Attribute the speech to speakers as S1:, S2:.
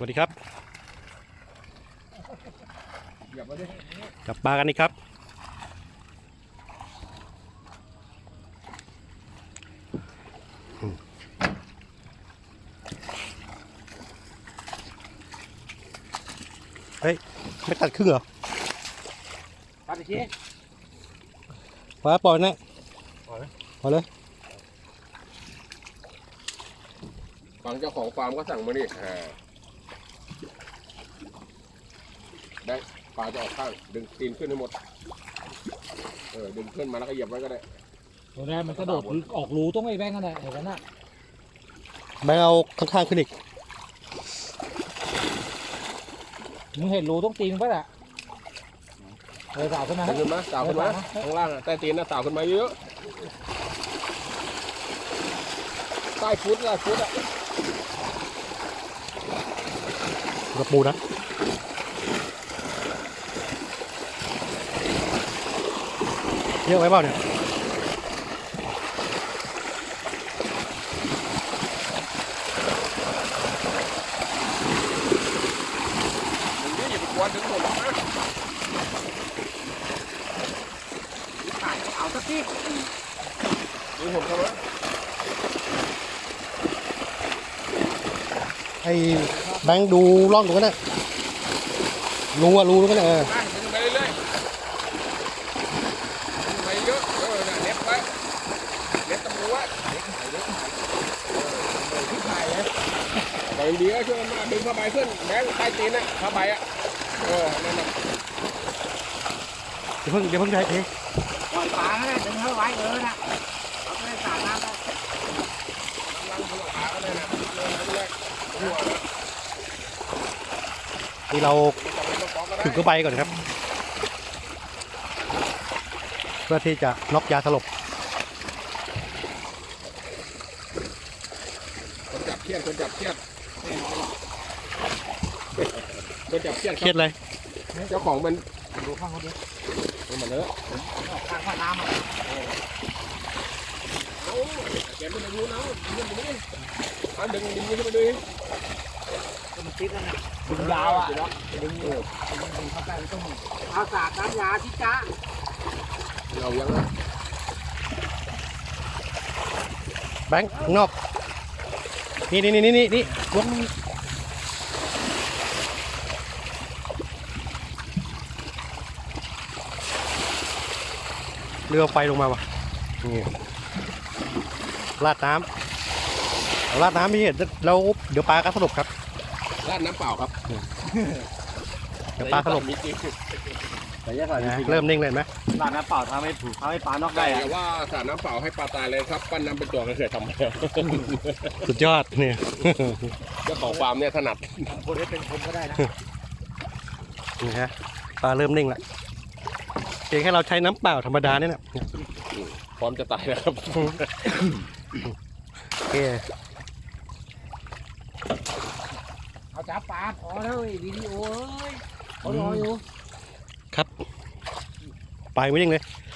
S1: วัสดีครับจับปลากันนี่ครับเฮ้ยไม่ตัดครึ่งเหรอ
S2: ตัดอีกที
S1: ปลาปล่อยนะปล่อยเลย
S3: ฝั่งเจ้าของฟาร์มก็สั่งมาดิได้ปลาจะออกข้างดึงตีนขึ้นให้หมดดึงขึ้นมาแล้วก็เหยียบไว้ก็ได้
S2: โอ้ยมันกระโดดออกรูต้องไอ้แบงค์กันแหละเห็นกันน่ะ
S1: แบงค์เอาข้างๆขึ้นอีก
S2: มึงเห็นรูต้องตีนป่ะล่ะสาวขึ้นมา
S3: ขึ้นมาสาวขึ้นมาข้างล่างใต้ตีนนะสาวขึ้นมาเยอะใต้ฟุตอ่ะ
S1: กระปูนะเยอะไว้เปล่าเนี่ย
S3: ดึงหมดนะ
S2: เอาสักที
S3: ดึงหมดเข้ามา
S1: ไอ้แบงค์ดูร่องตรงนั้นนะรูตรงนั้น
S3: ดึงไปเรื่อยไปเยอะเน็บไว้เน็บตะปูไว้ไปดีก็ช่วยมาดึงผ้าใบขึ้นแบงใต้ตีนนะผ้าใบอ่ะนั่นน่ะ
S1: เดี๋ยวเพิ่งใช้เอง
S2: ปล่อยปลาแล้วดึงเข้าไว้นะเอาไปสาดน้ำ
S1: นี่เราถึงก็ไปก่อนครับเพื่อที่จะน็อกยาสลบ
S3: คนจับเครียดเครียดเครียด
S1: เลย
S3: เจ้าของมัน
S2: ดูข้างเขาดิ
S3: มันเลอะ
S2: ข้างน้ำอ่ะ
S3: แกไม่ได้รู้นะดึงขึ้นมาดู
S2: มันติดแล้วนะดึงยาวอ่ะดึงเข้าไปมันต้องเอาสาดน้ำยาที่จ้า
S3: เรายังนะ
S1: แบงค์นอกนี่ลงเรือไฟลงมาวะนี่ราดน้ำราดน้ำพี่เราเดี๋ยวปลาก็สลบครับ
S3: ราดน้ำเปล่าครับ
S1: เดี๋ยวปลาสลบเริ่มนิ่งเลยไหม
S2: ราดน้ำเปล่าทำให้ปลานอกได้
S3: แต่ว่าสาดน้ำเปล่าให้ปลาตายเลยครับปั้นน้ำเป็นตัวก็เคยทำมาแล้ว
S1: สุดยอดเนี่ย
S3: เจ้าของฟาร์มเนี่ยถนัด
S2: คนที่เป็นคนก็ได้นะ
S1: นี่ฮะปลาเริ่มนิ่งละเพียงแค่เราใช้น้ำเปล่าธรรมดาเนี่ย
S3: พร้อมจะตายแล้วครับ
S1: โอเค
S2: เอาจับปลาพอแล้ววิดีโอเขารออยู่
S1: ครับไปไม่ยังเลย